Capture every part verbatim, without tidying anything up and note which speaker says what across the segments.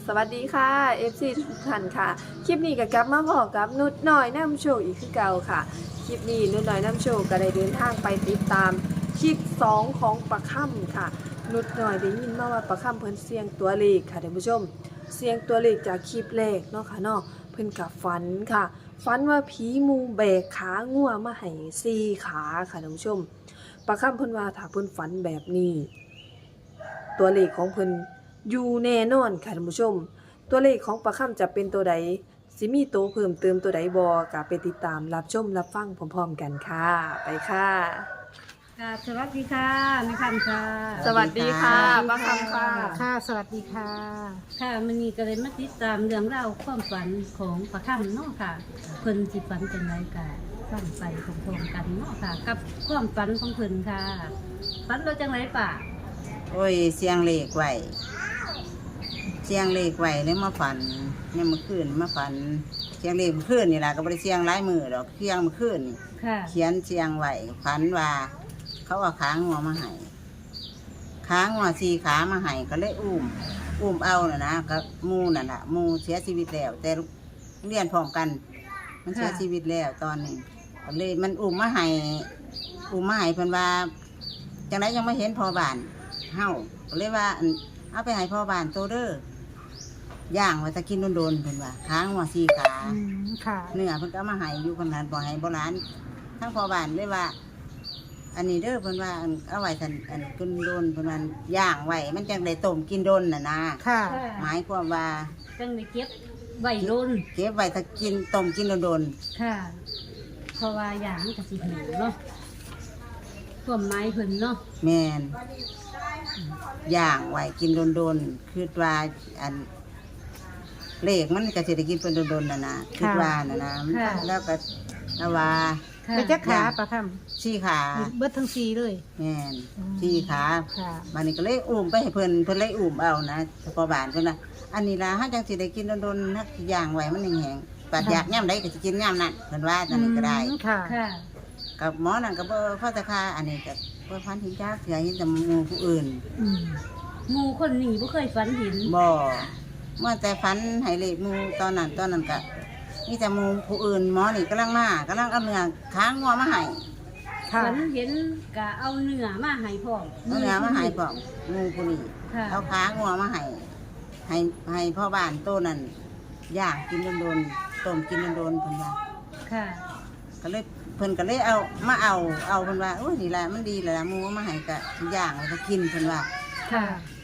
Speaker 1: สวัสดีค่ะ เอฟ ซี ทุกท่านค่ะ คลิปนี้ก็กลับมาพอกับนุชน้อยนำโชคอีกคือเก่าค่ะ คลิปนี้นุชน้อยนำโชคก็ได้เดินทางไปติดตามคลิปสองของประค่ำค่ะ นุชน้อยได้ยินมาว่าประค่ำเพิ่นเสียงตัวเลขค่ะท่านผู้ชม เสียงตัวเลขจากคลิปแรกเนาะค่ะเนาะเพิ่นกับฝันค่ะฝันว่าผีมูแบกขางัวมาให้สี่ขาค่ะท่านผู้ชมประค่ำเพิ่นว่าถ้าเพิ่นฝันแบบนี้ตัวเลขของเพิ่นอยู่แน่นอนค่ะท่านผู้ชมตัวเลขของประค่ำจะเป็นตัวใดสิมีโตเพิ่มเติมตัวใดบ่ก็ไปติดตามรับชมรับฟังพร้อมๆกันค่ะไปค่ะ
Speaker 2: ค่ะสวัสดีค่ะแม่คำค่ะ
Speaker 1: สวัสดีค่ะประค่ำค่ะ
Speaker 3: ค่ะสวัสดีค่ะ
Speaker 2: ค่ะมันนี่ก็เลยมาติดตามเรื่องราวความฝันของประคำเนาะค่ะเพิ่นสิฝันจังไรกะฟังไปพร้อมๆกันเนาะค่ะ กับความฝันของเพิ่นค่ะฝันเราจังไรป่ะ
Speaker 4: โอ้ยเสียงเลขไหวเสียงเลขไหวเลยมาฝันเนี่ยเมื่อคืนมาฝันเสียงเลขเมื่อคืนนี่แหละก็บ่ได้เสียงหลายมือดอกเสียงเมื่อคืนนี่
Speaker 2: ค่ะ
Speaker 4: เขียนเสียงไหวฝันว่า เขาเอาขางัวมาให้ขางัวสี่ขามาให้ก็เลยอุ้มอุ้มเอาน่ะนะกับมูน่ะน่ะมูเสียชีวิตแล้ว แต่เรียนพร้อมกัน มันเสียชีวิตแล้วตอนนี้ก็เลยมันอุ้มมาให้อุ้มมาให้เพิ่นว่าจังไดยังไม่เห็นพอบ้านเฮาก็เลยว่าอั่นเอาไปให้พ่อบ้านโตเด้อย่างว่าจะกินโดนๆเพิ่นว่าค้างว่าสี่ขา
Speaker 3: อืมค่ะ
Speaker 4: เนื้อเพิ่นก็เอามาให้อยู่คนนั้นบ่ให้โบราณทั้งพ่อบ้านเลยว่า อันนี้เด้อเพิ่นว่าอันเอาไว้ท่านอันกินโดนเพิ่นว่าย่างไว้มันจังได้ต้มกินโดนน่ะนะ
Speaker 3: ค่ะ
Speaker 4: หมายความว่า
Speaker 2: จังได้เก็บไว้โดน
Speaker 4: เก็บไว้ถ้ากินต้มกินโดน
Speaker 2: ค่ะ เพราะว่าอย่างมันก็สิหิวเนาะความหมายเพิ่นเนาะ
Speaker 4: ๆแม่นย่างไว้กินโดนๆคือว่าอันเลขมันก็สิได้กินเพิ่นโดนๆน่ะนะคือว่าน่ะนะแล้วก็แล้วว่า
Speaker 2: ค่ะ
Speaker 3: ไปจักขาประค
Speaker 4: สี่ขา
Speaker 3: ำเบิดทั้งสี่เลย
Speaker 4: แม่น
Speaker 3: อืม
Speaker 4: สี่ขา
Speaker 3: ค่ะ
Speaker 4: บัดนี้ก็เลยอุ้มไปให้เพิ่นเพิ่นเลยอุ้มเอานะเฉพาะบ้านเพิ่นน่ะอันนี้ล่ะเฮาจังสิได้กินโดนๆนักย่างไว้มันแห้งๆปัดอยากยามใดก็สิกินยามนั้นเพิ่นว่าจังนี้ก็ได้
Speaker 3: อืมค่ะ
Speaker 2: ค่ะ
Speaker 4: กับหมอนั่นก็บ่พอจะค่าอันนี้ก็บ่พันถึงจักเสียเห็นแต่หมู่ผู้อื่น
Speaker 3: อืม
Speaker 2: หมู่คนนี้บ่เคยฝันเห็น
Speaker 4: บ่เมื่อแต่ฝันให้เลขหมู่ตอนนั้นตอนนั้นก็มีแต่หมู่ผู้อื่นหมอนี่กำลังมากำลังเอาเนื้อค้างงัวมาให้
Speaker 3: ค่ะ
Speaker 2: ฝันเห็นกะเอาเนื้อมาให้พร้อม
Speaker 4: เอาเนื้อมาให้พร้อมหมู่ผู้นี้
Speaker 2: ค่ะ
Speaker 4: เอาค้างงัวมาให้ให้ให้พ่อบ้านโตนั่นย่างกินโดนๆต้มกินโดนๆเพิ่นว่า
Speaker 2: ค่ะ
Speaker 4: ก็เลยเพิ่นก็เลยเอามาเอาเอาเพิ่นว่าโอ้ยนี่ล่ะมันดีแล้วล่ะหมูเอามาให้ก็ย่างแล้วก็กินเพิ่นว่า
Speaker 2: ค่ะ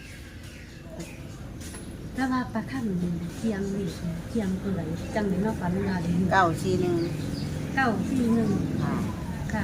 Speaker 2: แล้วว่าปลาข้างหนึ่งเทียงนี่เทียงตัวไหนจังเลยเนาะฝันว่าเห็น
Speaker 4: เก้าชีหนึง
Speaker 2: เก้าสี่หนึ่ง
Speaker 4: ค่ะ
Speaker 2: ค่ะ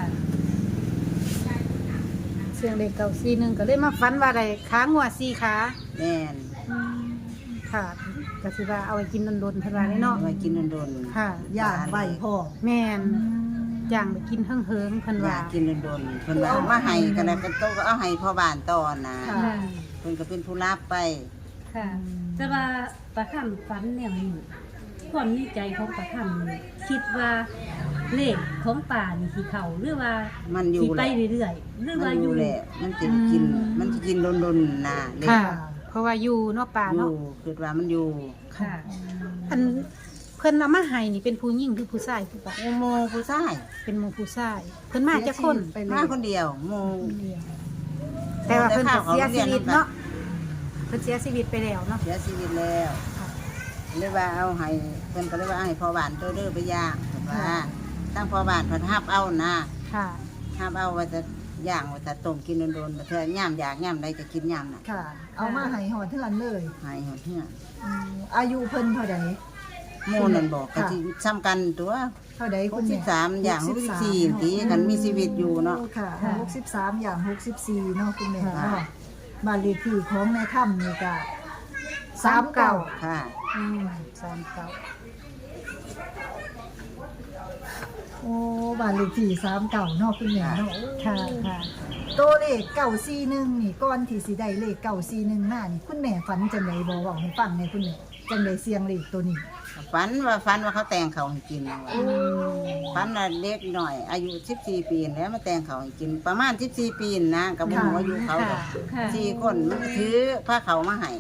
Speaker 3: เสียงเด็กเก่าสี่หนึ่งก็เลยมาฟันว่าอะไรขางัวสี่ขา
Speaker 4: แม่น
Speaker 3: อืมค่ะก็สิว่าเอาไว้กินโดนๆเพิ่นว่าเลยเนาะ
Speaker 4: เอาไว้กินโดนๆ
Speaker 3: ค่ะ
Speaker 5: ย่างไว้พ่อ
Speaker 3: แม่นย่างไปกินเฮิงๆเพิ่น
Speaker 4: อ
Speaker 3: ว่า
Speaker 4: ยากกินโดนๆเพิ่นว่าเอามาให้ก็แล้วก็โตก็เอาให้พ่อบ้านตอนนะ
Speaker 5: ค่ะ
Speaker 2: ค่ะ
Speaker 4: เพิ่นก็เป็นผู้รับไป
Speaker 2: ค่ะแต่ว่าปลาข้ามฝันแนวนี้ความในใจของปลาข้ามนี่คิดว่าเลขของป่านี่สีเขาหรือว่า
Speaker 4: มันอยู่
Speaker 2: สีไป
Speaker 4: แหละ
Speaker 2: เรื่อยๆหรือ
Speaker 4: มั
Speaker 2: ว่าน อ
Speaker 4: อยู่ ยู่แหละมันสิกินมันสิกินโดนๆนะเด็ก
Speaker 3: ค่ะ เพราะว่าอยู่เนาะป่า
Speaker 4: อ
Speaker 3: เนาะ
Speaker 4: ยู่คือว่ามันอยู่
Speaker 2: ค่ะ
Speaker 3: อันเพิ่นเอามาให้นี่เป็นผู้หญิงหรือผู้ชายผู้บ่าว
Speaker 4: หมู่ผู้ชาย
Speaker 3: เป็นหมู่ผู้ชายเพิ่นมาจากคน
Speaker 5: ไปเล
Speaker 4: มาย คนเดียวหมู่
Speaker 3: แต่ว่าเพิ่นก็เสียชีวิตเนาะเพิ่นเสียชีวิตไปแล้วเนาะ
Speaker 4: เสียชีวิตแล้วเลยว่าเอาให้เพิ่นก็เลยว่าเอาให้พ่อบ้านโตเด้อไปย่างเพิ่นว่าตั้งพ่อบ้านเพิ่นฮับเอานะ
Speaker 3: ค่ะ
Speaker 4: ฮับเอาว่าจะย่างว่าจะต้มกินโดนๆบ่เทื่อย่ามอยากย่ามใดก็กินย่ามน่ะ
Speaker 5: ค่ะ เอามาให้หอดเท่านั้นเลย
Speaker 4: ให้หมดเทื่อ
Speaker 5: อืมอายุเพิ่นเท่าใด
Speaker 4: หมู่นั่นบอกก็
Speaker 5: ค่ะ
Speaker 4: สิซ้ำกันตัว
Speaker 5: เท่าใดคุณแม่
Speaker 4: หกสิบสามอย่างหกสิบสี่ตีกันมีชีวิตอยู่เนาะ
Speaker 5: โค่ะ
Speaker 2: ค่ะ
Speaker 5: หกสิบสามอย่างหกสิบสี่เนาะคุณแม่
Speaker 4: ค่ะ
Speaker 5: เนาะบ้านเลขที่ของในถ้ำนี่ก็สามเก้า
Speaker 4: ค่ะ
Speaker 3: อืมสามเก้า
Speaker 5: โอ้บ้านเลขที่สามเก้าเนาะคุณแม่เนาะ
Speaker 3: ค่ะค่ะ
Speaker 5: ตัวเลขเก้าสี่หนึ่งนี่ก่อนที่สิได้เลขเก้าสี่หนึ่งมานี่คุณแม่ฝันจังไดบ่เว้าให้ฟังในอยคุณแม่จังไดเสียงเลขตัวนี้
Speaker 4: ฝันว่าฝันว่าเขาแต่งเขาให้กินฝันว่าเด็กหน่อย อายุสิบสี่ปีแล้วมาแต่งเขาให้กิน ประมาณสิบสี่ปีนะกับหมู่อายุเขาดอก
Speaker 2: ค่ะ
Speaker 4: สี่คนมันก็ถือผ้าเขาวมาให้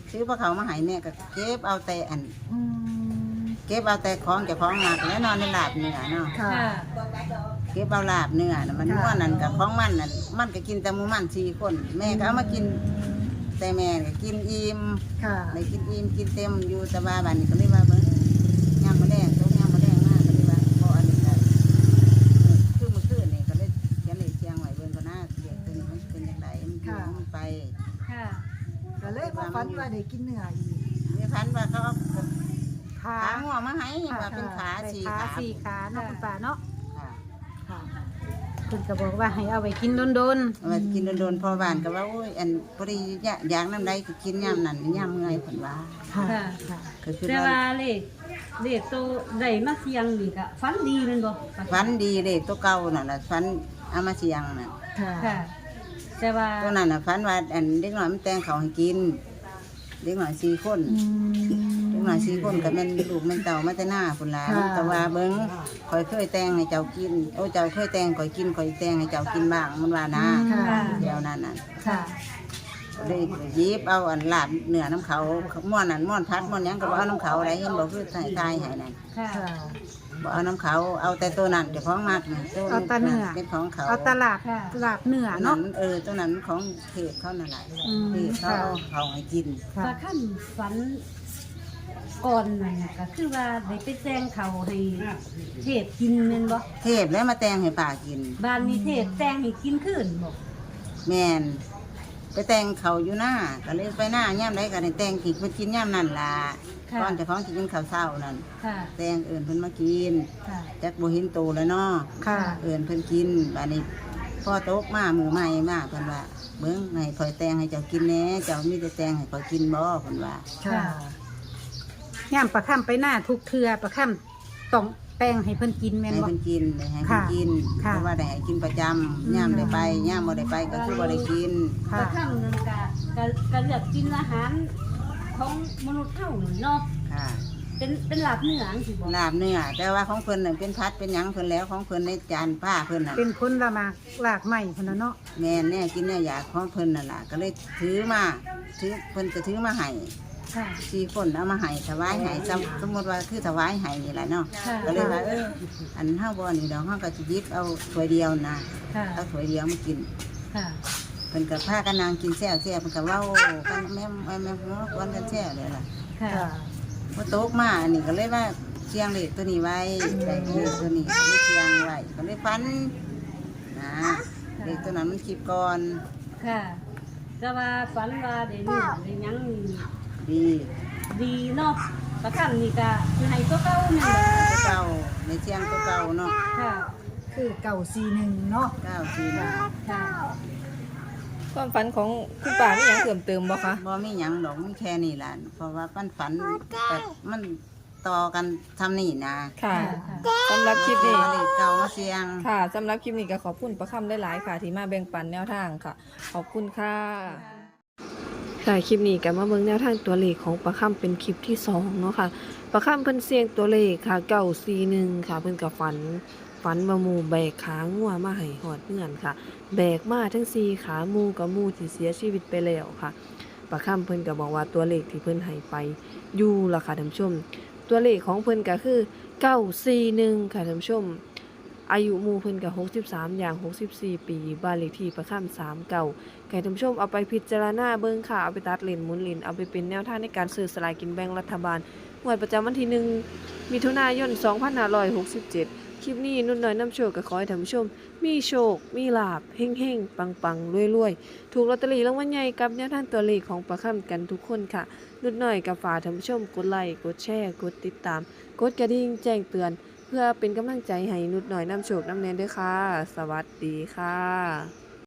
Speaker 4: ซื้อพวกเขามาให้แม่ก็เก็บเอาแต่อัน
Speaker 5: อืม
Speaker 4: เก็บเอาแต่ของเจ้าของมักและนอนในลาบเนื้อเนาะ
Speaker 5: ค่ะ
Speaker 2: ค่ะ
Speaker 4: เก็บเอาลาบเนื้อน่ะมัน
Speaker 5: ค่ะ
Speaker 4: ม่วนนั่นกับของมันนั่นมันก็กินแต่หมูมันสี่คน แม่ก็เอามากิน แต่แม่ก็กินอิ่ม
Speaker 5: ค่ะ
Speaker 4: ได้กินอิ่มกินเต็มอยู่แต่ว่าบัดนี้ก็เลยว่าเบิ่งยามมื้อแลงตกยามมื้อแลงมาก็เลยว่าพออันนี้ก็คือเมื่อคืนนี่ก็เลยเขียนเลขเสียงไว้เบิ่งก็น่าเด็กตัวนี้มันเป็นจังไดมันอยู่ของมันไป
Speaker 2: ค่ะ
Speaker 5: ก็เลยมาฝันว่าได้กินเนื้ออีก
Speaker 4: มีพันว่าเขาเอา
Speaker 3: ขา
Speaker 4: ขาหัวมาให้ว่าเป็นขา
Speaker 3: ได้
Speaker 4: สี่
Speaker 3: ขา
Speaker 4: ขา
Speaker 3: สี่ขาเนาะคุณป้าเนาะ
Speaker 4: ค่ะ
Speaker 3: ค่ะเพิ่นก็บอกว่าให้เอาไว้กินโดน
Speaker 4: เอามากินโดนๆพอบ้านก็ว่าโอ้ยอันพอดีอยากน้ำใดก็กินยามนั้นยามเมื่อยเพิ่นว่า
Speaker 3: ๆค่ะ
Speaker 2: ค่ะ
Speaker 3: ค่ะ
Speaker 4: ก็คือ
Speaker 2: แต่
Speaker 4: ว่า
Speaker 2: ว่าเลขเลขตัวใดมาเสียงนี่ก็ฝันดีแม่นบ่
Speaker 4: ฟันดีเด็กตัวเก่าน่ะล่ะฟันเอามาเสียงน่ะ
Speaker 5: ค่ะ
Speaker 2: ค่ะ แต่ว่า
Speaker 4: ตัวนั้นน่ะฟันว่าอันเด็กน้อยมันแต่งเขาวให้กิน เด็กน้อยสี่คน
Speaker 5: อืม
Speaker 4: เด็กน้อยสี่คนก็แม่นลูกแม่นเต่ามาแต่หน้าพุ่นล่ะ
Speaker 5: ค่ะ
Speaker 4: แต่ว่าเบิ่งข่อยเคยแต่งให้เจ้ากินโอ้เจ้าเคยแต่งข่อยกินข่อยแต่งให้เจ้ากินบ้างมันว่านะ
Speaker 5: ค่ะ
Speaker 4: เดี๋ยวนั้นน่ะ
Speaker 5: ค่ะ
Speaker 4: เลยหยิบเอาอันลาบเนื้อน้ำเขาม้วนนั่นม้วนพัดม้วนหยังก็บ่เอาน้ำเขาอะไรเห็นบ่คือใส่ตายให้นั่น
Speaker 2: ค่ะ
Speaker 5: ค่ะ
Speaker 4: บ่เอาน้ำเขาเอาแต่ตัวนั้นเจ้าของมักนี่ตัว
Speaker 3: เอาแตาเนื้อ
Speaker 4: เป็นของเขา
Speaker 3: เอาตลาดตลาดเนื้อ
Speaker 4: ตัวนั้
Speaker 3: เนาะ
Speaker 4: นเออตัวนั้นของเทพเขานั่นแหละ
Speaker 3: อืม
Speaker 4: เทพเขาเอาเขาให้กิน
Speaker 3: ค่ะ
Speaker 2: ปลาค่ำฝันก่อนนั่นก็คือว่าได้ไปแจ้งเขาให้เทพกินแม่นบ่
Speaker 4: เทพแล้วมาแต่งให้ป่ากิน
Speaker 2: บ้านนี้เทพแจ้งให้กินคืนบ่
Speaker 4: แม่นไปแต่งเขาอยู่หน้าก็เลยไปหน้าย่ามใดก็ได้แต่งกินเพิ่นกินย่ามนั่นล่ะ
Speaker 2: ค่ะ
Speaker 4: ก่อนเจะของสิกินข้าวเช้านั่น
Speaker 2: ค่ะ
Speaker 4: แต่งเอิ้นเพิ่นมากิน
Speaker 2: ค่ะ
Speaker 4: จักบ่เห็นโตแล้วเนาะ
Speaker 3: ค่ะ
Speaker 4: เอินเพิ่นกินบัดนี้พ่อโต๊ะมามือใหม่มาเพิ่นว่าเบิ่งให้ข่อยแต่งให้เจ้ากินแหน่เจ้ามีแต่แต่งให้ข่อยกินบ่เพิ่นว่า
Speaker 5: ค่ะ
Speaker 3: ย่ามประค่ำไปหน้าทุกเทือประค่ำต้องแป้งให้เพิ่นกินแม่น
Speaker 4: ให้
Speaker 3: บ่
Speaker 4: เพิ่นกินได้ให้เพิ่น
Speaker 3: ค่ะ
Speaker 4: กิน
Speaker 3: ค่ะ
Speaker 4: เพราะว่าได้ให้กินประจำย่ามได้ไปย่ามบ่ได้ไปก็คือบ่ได้กิน
Speaker 2: ปลาค่ำนั่นก็ก็ก็เลือกกินอาหารของมนุษย์เฮานั่นเนาะ
Speaker 4: ค่ะ
Speaker 2: เป็นเป็นหลับเนื้อจังซี่บ่
Speaker 4: ลาบเนื้อแต่ว่าของเพิ่นน่ะเป็นพัดเป็นหยังเพิ่นแล้วของเพิ่นในจานผ้าเพิ่นน่ะ
Speaker 3: เป็นคนละหมากหลากใหม่พุ่นน่ะเนาะ
Speaker 4: แม่นแน่กินแน่อยากของเพิ่นนั่นล่ะก็เลยถือมาถือเพิ่นก็ถือมาให้
Speaker 2: ค่ะ
Speaker 4: สี่คนเอามาให้ถวายให้สมสมมุติว่าคือถวายให้นี่แหละเนาะ
Speaker 2: ค่ะ
Speaker 4: ก็เลยว่าเอออันเฮาบ่นี่ดอกเฮาก็สิหยิบเอาถ้วยเดียวนะ
Speaker 2: ค่ะ
Speaker 4: เอาถ้วยเดียวมากิน
Speaker 2: ค่ะ
Speaker 4: เพิ่นก็พากันนางกินแซ่บแซ่บเพิ่นก็เว้ากันแม่แม่แม่หัวกวนกันแซ่บเลยล่ะ
Speaker 2: ค่ะ
Speaker 5: ค่ะ
Speaker 4: พอโตกมาอันนี้ก็เลยว่าเชียงเลขตัวนี้ไว้ได้เลขตัวนี้ก็เลยเชียงไว้ก็เลยฟันนะเลขตัวนั้นมันคลิปก่อน
Speaker 2: ค่ะแต่ว่าฝันว่าได้เนื้อได้หยังนี่
Speaker 4: ดี
Speaker 2: ดีเนาะปลาค่ำนี่ก็คือให้ตัวเก่าแม่นบ่
Speaker 4: ตัวเก่าในเชียงตัวเก่าเนาะ
Speaker 2: ค่ะ
Speaker 5: คือเก่าซีหนึ่งเนาะ
Speaker 4: เก้าสี่หนึ่ง
Speaker 2: ค่ะ
Speaker 1: ความฝันของคุณป่ามีหยังเพิ่มเติมบ่คะ
Speaker 4: บ่มีหยังดอกมีแค่นี้ล่ะเพราะว่าปั้นฝันแบบมันต่อกันทำนี่นะ
Speaker 1: ค่ะ
Speaker 2: ค่ะ
Speaker 1: สำหรับคลิปนี้
Speaker 4: เลขเก่ามาเสียง
Speaker 1: ค่ะสำหรับคลิปนี้ก็ขอบคุณประคำได้หลายๆค่ะ ที่มาแบ่งปันแนวทางค่ะ ขอบคุณค่ะ ค่ะคลิปนี้ก็มาเบิ่งแนวทางตัวเลขของประคำเป็นคลิปที่สองเนาะค่ะประคำเพิ่นเสียงตัวเลขค่ะเก้าสี่หนึ่งค่ะ เพิ่นก็ฝันฝันว่าหมูแบกขางัวมาให้หอดเงื่อนค่ะ แบกมาทั้งสี่ขาหมูกับหมูที่เสียชีวิตไปแล้วค่ะประคำเพิ่นก็บอกว่าตัวเลขที่เพิ่นให้ไปอยู่ล่ะค่ะท่านผู้ชม ตัวเลขของเพิ่นก็คือเก้าสี่หนึ่งค่ะท่านผู้ชม อายุหมู่เพิ่นก็หกสิบสามอย่างหกสิบสี่ปีบ้านเลขที่ประคำสามเก้าให้ท่านผู้ชมเอาไปพิจารณาเบิ่งค่ะเอาไปตัดเลนหมุนเลนเอาไปเป็นแนวทางในการซื้อสลากกินแบ่งรัฐบาลงวดประจำวันที่หนึ่งมิถุนายนสองพันห้าร้อยหกสิบเจ็ดคลิปนี้นุ่นน้อยน้ำโชคก็ขอให้ท่านผู้ชม มีโชค มีลาภเฮ่งๆ ปังๆรวยๆ ถูกลอตเตอรี่รางวัลใหญ่กับแนวทางตัวเลขของประคำกันทุกคนค่ะนุ่นน้อยกับฝากท่านผู้ชมกดไลค์กดแชร์กดติดตาม กดกระดิ่งแจ้งเตือน เพื่อเป็นกำลังใจให้นุดหน่อยน้ำโชคน้ำแนนด้วยค่ะ สวัสดีค่ะ